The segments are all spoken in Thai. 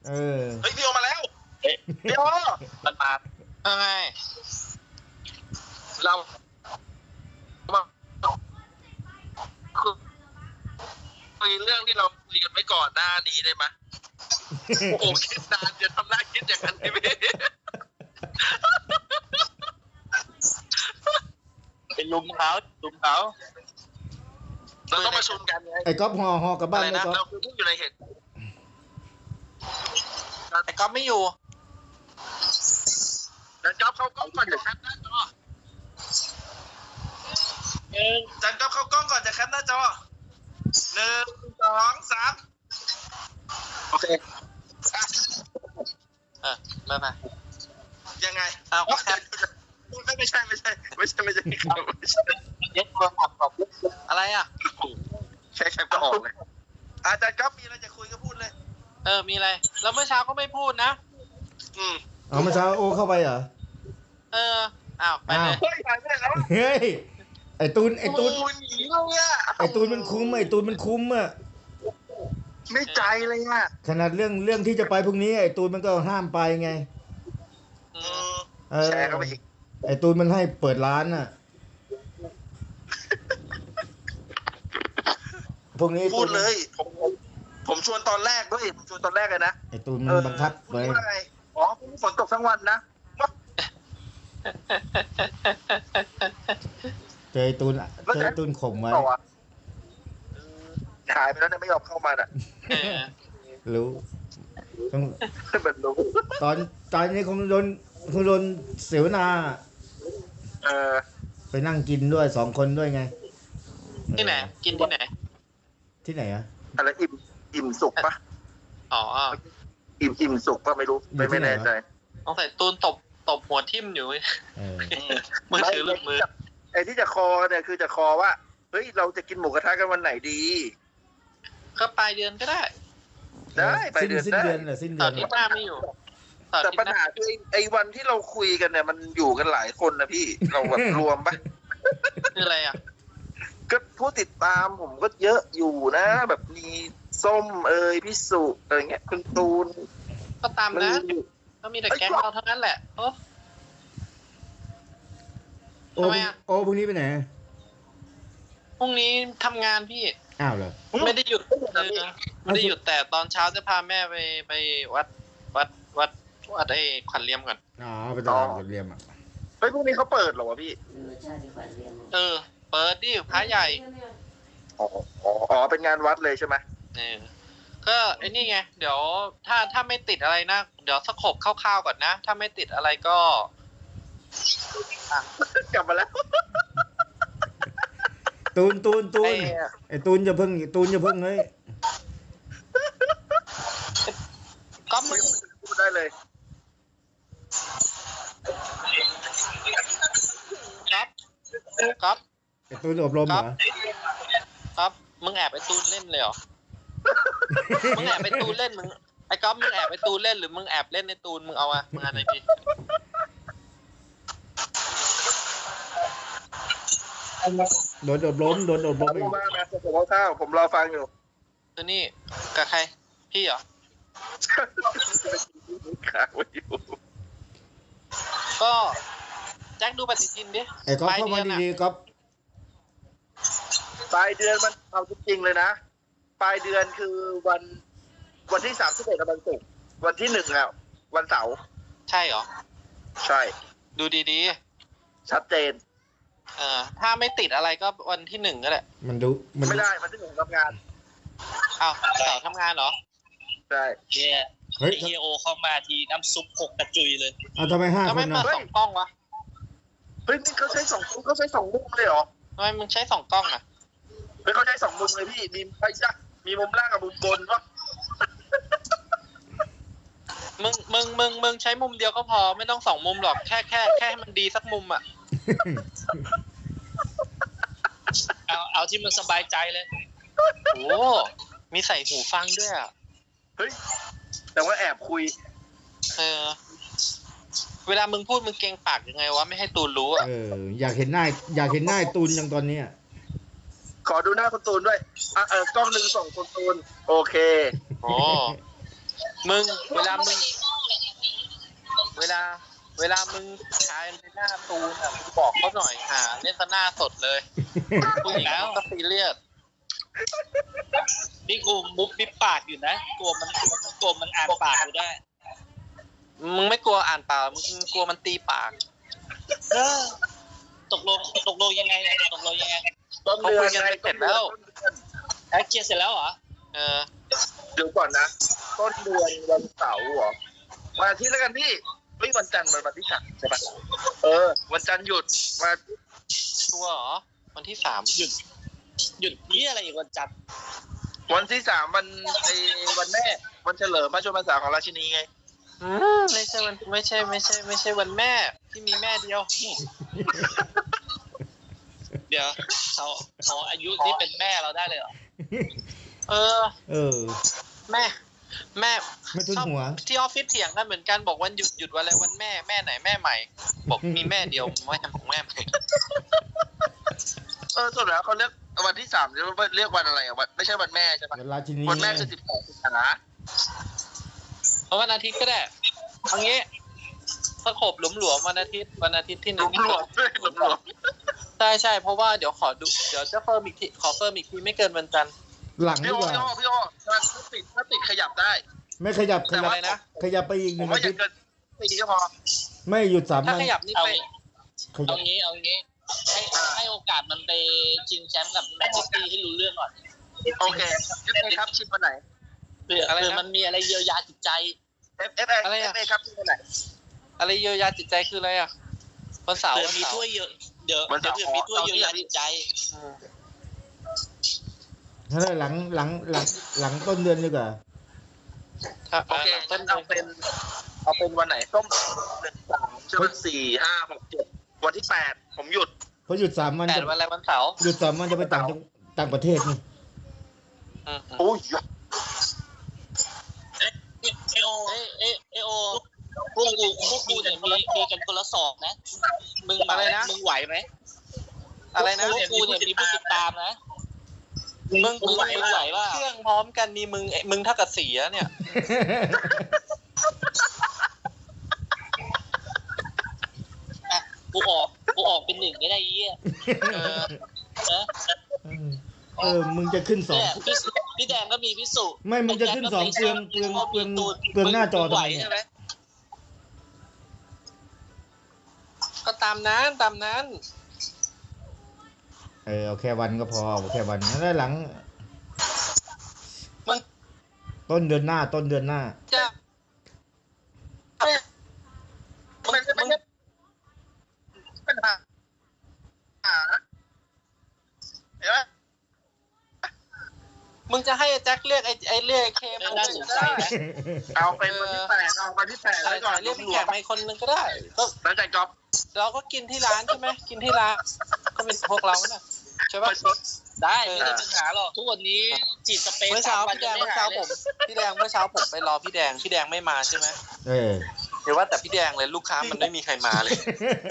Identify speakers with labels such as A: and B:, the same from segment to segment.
A: เฮ้ยพี่โอมาแล้วพี่โอมันมาไงเราคุยเรื่องที่เราคุยกันไว้ก่อนหน้านี้ได้ไหมโอ้คิดนานจะทำหน้าคิดอย่างนั้นพี่เป็นลุมเขาเราต้องประชุมกันไง
B: ไอ้ก๊อฟห่อกลับบ้าน
A: นะเราคือผู้อยู่ในเหตุไอ้ก๊อฟไม่อยู่จันก๊อฟเข้ากล้องก่อนจะแคปหน้าจอจันก๊อฟเข้ากล้องก่อนจะแคปหน้าจอ1 2 3โอเคมายังไงไม่ใช่ครับยกโทรศัพท์ตอบอะไรอ่ะใช่ก็ออกเลยอาจารย์ก๊อฟมีอะไรจะคุยก็พูดเลยมีอะไรแล้วเมื่อเช้าก็ไม่พูดนะ
B: เมื่อเช้าโอเข้าไปเหรอ
A: อ้าวไปเลย
B: เฮ้ยไอ้ตูนมันคุ้มอ่ะ
A: ไม่ใจเลยอ่ะ
B: ขนาดเรื่องที่จะไปพรุ่งนี้ไอ้ตูนมันก็ห้ามไปไง
A: แชร์เข้าไปอีก
B: ไอ้ตูนมันให้เปิดร้านน่ะพวกนี้
A: พูดเลยผมชวนตอนแรกด้วยผมชวนตอนแรกเลยนะ
B: ไอ้ตูนมันบังคับไป
A: อ๋อฝนตกทั้งวันนะ
B: เจอตูนข่มไว้
A: หายไปแล้วเนี่ยไม่ยอมเข้ามาน่ะ
B: รู้
A: เป็นรู้
B: ตอนนี้คงโดนเสวนาไปนั่งกินด้วย2 คนด้วยไง
A: ที่ไหนกินที่ไหน
B: อ่ะ
A: อะไรอิ่มสุกปะอิ่มสุกปะไม่รู้ไม่แน่ใจต้องใส่ตูนตบหัวทิ่มอยู่มือถือหลุดมือไอ้ที่จะคอเนี่ยคือจะคอว่าเฮ้ยเราจะกินหมูกระทะกันวันไหนดีก็ปลายเดือนก็ได้ปลายเดือน
B: สิ้นเดือน
A: ตอนนี้หน้าไม่อยู่แต่ปัญหาคือไอ้วันที่เราคุยกันเนี่ยมันอยู่กันหลายคนนะพี่เราแบบรวมปะคืออะไรอ่ะก็ผู้ติดตามผมก็เยอะอยู่นะแบบมีส้มพี่สุอะไรเงี้ยคุณตูนก็ตามนะก็มีแต่แก๊งเราเท่านั้นแหละ
B: โอ้พรุ่งนี้ไปไหน
A: พรุ่งนี้ทำงานพี่
B: อ้าวเหรอ
A: ไม่ได้หยุดไม่ได้หยุดแต่ตอนเช้าจะพาแม่ไปวัดไอ้ขวัญเลี่ยมก่อน
B: ไปตลาดขวัญเลี่ยมอ่ะ
A: เฮ้ยพรุ่งนี้เขาเปิดเหรอวะพี่เปิดดิพระใหญ่อ๋อเป็นงานวัดเลยใช่ไหมก็ไอ้นี่ไงเดี๋ยวถ้าไม่ติดอะไรนะเดี๋ยวสกบคร่าวๆก่อนนะถ้าไม่ติดอะไรก็กลับมาแล้ว
B: ตูนไอ้ตูนจะเพิ่งเฮ้ย
A: ก็มึงพูดได้เลยครับ
B: ไอ้ตูนอบรมเหรอ
A: ครับมึงแอบไอ้ตูนเล่นเลยเหรอมึงแอบไอ้ตูนเล่นมึงไอ้ก๊อฟมึงแอบไอ้ตูนเล่นหรือมึงแอบเล่นในตูนมึงเอาอะมึงอะไรดี
B: โดนอบรม
A: มาผมเอาข้าวผมรอฟังอยู่นี่กับใครพี่เหรอข่าวอยู่ก็แจ็คดูปฏิทินดิ
B: ไอ้ก๊อฟเข้ามาดีๆก๊อฟ
A: ปลายเดือนมันเอาจริงๆเลยนะปลายเดือนคือวันที่31วันศุกร์วันที่1แล้ววันเสาร์ใช่เหรอใช่ดูดีๆชัดเจนถ้าไม่ติดอะไรก็วันที่1ก็แหละ
B: มัน
A: ไม่ได้วันที่1ทำงานอ้าวเสาร์ทำงานเหรอใช่
C: เฮ้ยโอเข้ามาทีน้ำซุป6กระจุยเลย
B: ทำไม5 คน
A: นะ2 กล้องวะเฮ้ยนี่เขาใช้2มุมเลยเหรอทำไมมึงใช้2 กล้องอ่ะเฮ้ยเขาใช้2 มุมเลยพี่มีมุมล่างกับมุมบนวะมึงใช้มุมเดียวก็พอไม่ต้อง2 มุมหรอกแค่ให้มันดีสักมุมอ่ะ
C: เอาที่มันสบายใจเลย
A: โอ้มีใส่หูฟังด้วยอ่ะเฮ้ยแต่ว่าแอบคุยเวลามึงพูดมึงเกรงปากยังไงวะไม่ให้ตูนรู้อ่ะ
B: อยากเห็นหน้าตูนอย่างตอนนี้
A: ขอดูหน้าคุณตูนด้วยกล้อง1ส่งคุณตูนโอเคโอ้
D: มึงเวลามึงชายในหน้าตูนอ่ะมึงบอกเขาหน่อยเล่นซะหน้าสดเลยผู้หญิงก็ซีเรียส
C: นี่กูมุกปิ๊บปากอยู่นะกลัวมันอ่านปากกูได้
D: มึงไม่กลัวอ่านปากมึงกลัวมันตีปาก
C: ตกลงยังไง
A: ต้นเดือนไง
D: เสร็จแล้ว
C: เคลียร์เสร็จแล้วเหรอ
A: เดี๋ยวก่อนนะต้นเดือนวันเสาร์เหรอวันอาทิตย์แล้วกันพี่ไม่วันจันทร์วันที่3ใช่ปะวันจันทร์หยุดมา
D: ตัวเหรอวันที่3
C: หยุดนี่อะไรอีกวันจันทร์
A: วันที่3วันแม่วันเฉลิมพระชนมพรรษาของราชินีไง
D: ไม่ใช่วันแม่ที่มีแม่เดียว
C: เดี๋ยวเขาอายุนี่เป็นแม่เราได้เลยเหรอ
D: แม่
B: ไม่ทุนหัว
D: ที่ออฟฟิศเถียงกันเหมือนกันบอกวันหยุดวันอะไรวันแม่ไหนแม่ใหม่บอกมีแม่เดียวไม่ทำของแม่ใหม่
A: สุดแล้วเขาเรียกวันที่3เรียกวันอะไรอ่ะไม่ใช่วันแม่ใช่ปะวันแม่คือ12 สิงหา
D: เพราะวันอาทิตย์ก็ได้เอางี้สกบหลวมวันอาทิตย์ที่1หลวมใช่เพราะว่าเดี๋ยวจะเพิ่มอีกทีขอเพิ่มอีกทีไม่เกินวันจันทร์
B: หลังดีกว่า
A: พี่โอถ้าติดขยับได้
B: ไม่ขยับอะไรนะขยับไปอีก1 อาทิตย์
A: ปีก็พอ
B: ไม่หยุด3 วัน
D: ถ้าขยับนี่ไป
C: เอางี้ให้โอกาสมันไปชิงแชมป์กับแมนซิตี้ให้รู้เรื่องก่อน
A: โอเคครับชิงวันไหน
C: เผื่อมันมีอะไรเยียวยาจิตใจ
A: อะไรครับชิงวันไหน
D: อะไรเยียวยาจิตใจคืออะไรอ่ะวันเสาร์
C: มีถ้วยเยอะเดี๋ยวมีถ้วยเยียวยาจิตใจ
B: แล้วหลังต้นเดือนดีกว่า
A: โอเคต้นเอาเป็นวันไหนต้นเดือน3ใช่ไหม4 5 6 7วันที่8ผมหยุด
B: เพราะหยุด3 วัน
D: 8วันอะไรวันเสาร์
B: หยุด3 วันจะไปต่างประเทศนี่
A: โอ้ย
C: เอโอพวกกูเนี่ยมีกันคนละ2นะมึงอะไรนะมึงไหวไหม
D: อะไรนะ
C: พวกกูเนี่ยมีผู้ติดตามนะมึงไหวว่า
D: เครื่องพร้อมกันนี่มึงเท่ากับ4แล้วเนี่ย
C: กูออกเป็น1ก็ได้เหี้ย
B: มึงจะขึ้น2
C: พี่แดงก็มีพิสุ
B: ไม่มึงจะขึ้น2เปลืองหน้าจอทำไมเนี่ย
D: ก็ตามนั้น
B: เอาแค่วันก็พอเอาแค่วันแล้วหลังต้นเดือนหน้า
D: จะ
A: ปัญหาเห็นไหม
D: มึงจะให้แจ็คเรียกไอ้เรียกเคมัน
C: น่าสงสัยนะ
A: เอาเป็นวันที่8เอาวันที่8ไว้ก่อน
D: เรียกพี่แขกมาคนนึงก็ได้
A: ก็แล้วแต่จ็อบ
D: เราก็กินที่ร้านใช่ไหมกินที่ร้านก็เป็นพวกเราเนี่ยใช่ป่ะ
C: ได้ไม่มีปัญหาหรอกทุกวันนี้จีบสเปซ
D: เมื่อเช้าพี่แดงเมื่อเช้าผมไปรอพี่แดงไม่มาใช่ไหมเดี๋ยวว่าแต่พี่แดงเลยลูกค้ามันไม่มีใครมาเลย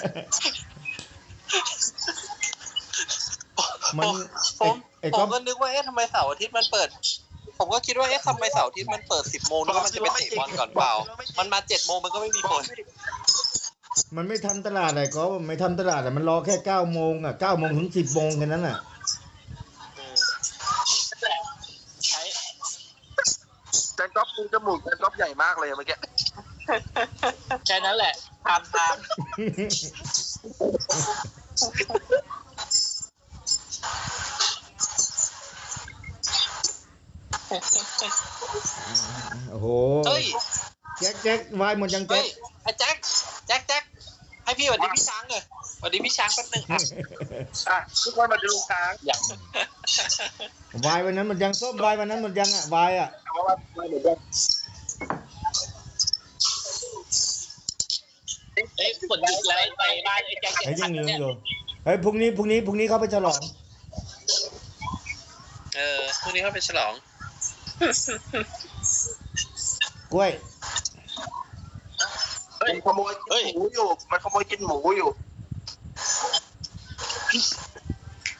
D: ผมก็นึกว่าทำไมเสาร์อาทิตย์มันเปิดผมก็คิดว่าทำไมเสาร์อาทิตย์มันเปิด 10 โมงแล้วมันจะไปเตะบอลก่อนเปล่ามันมา 7 โมงมันก็ไม่มีผล
B: มันไม่ทำตลาดอะไรก็ไม่ทำตลาดมันรอแค่9 โมงอ่ะ9 โมงถึง 10 โมงแค่นั้นอ่ะ
A: แต่ก๊อฟดูจมูกแต่ก๊อฟใหญ่มากเลยเมื่อกี้
C: แค่นั้นแหละทำ
B: โอ้โหแจ็ควายหมดยังแจ็ค
D: ไอ้แจ็คให้พี่สวัสดีพี่ช้างเลยสวัสดีพี่ช้างแป๊บนึง
A: ทุกคนมาดูลุงช้าง
B: วายวันนั้นหมดยังส้มวายวันนั้นหมดยังอ่ะวายอ่ะ
C: ฝนหยุดแล้วไปบ้านไอ้แจ็ค
B: ยังอยู่พรุ่งนี้เขาไปฉลอง
D: พรุ่งนี้เขาไปฉลอง
B: กล้วย
A: มันขโมยกินหมูอยู่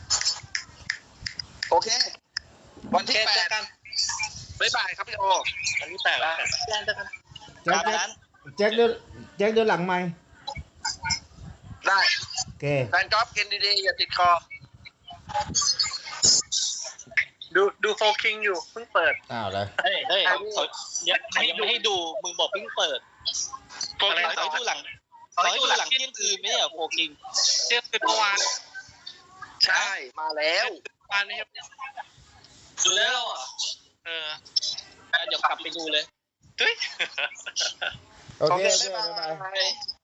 A: โอเควันที่8บ๊ายบายครับพี่โอ
C: อันนี้แตกแล้วแจ้งกัน
B: แจ็คเดินหลังไหม
A: ได้
B: โอเค
A: แฟนก๊อฟกินดีๆอย่าติดคอ
D: ดูโฟคิงอยู่เพิ่งเปิด
B: อ้าวเลย
C: เฮ้ยยังไม่ให้ดูมึงบอกเพิ่งเปิด
D: โฟคิง
C: ขอให้ดูหลังเที่ยงคืนไม่ใช่เหรอโฟกิง
D: เที่ยงคืนเมื่อวาน
A: ใช่มาแล้ว
D: วานนี้ครับ
C: ดูแล้วอ่ะ
D: เดี๋
C: เดี๋ยวกลับไปดูเลย
D: ตุ้ย
B: โอเค
A: บ๊ายบาย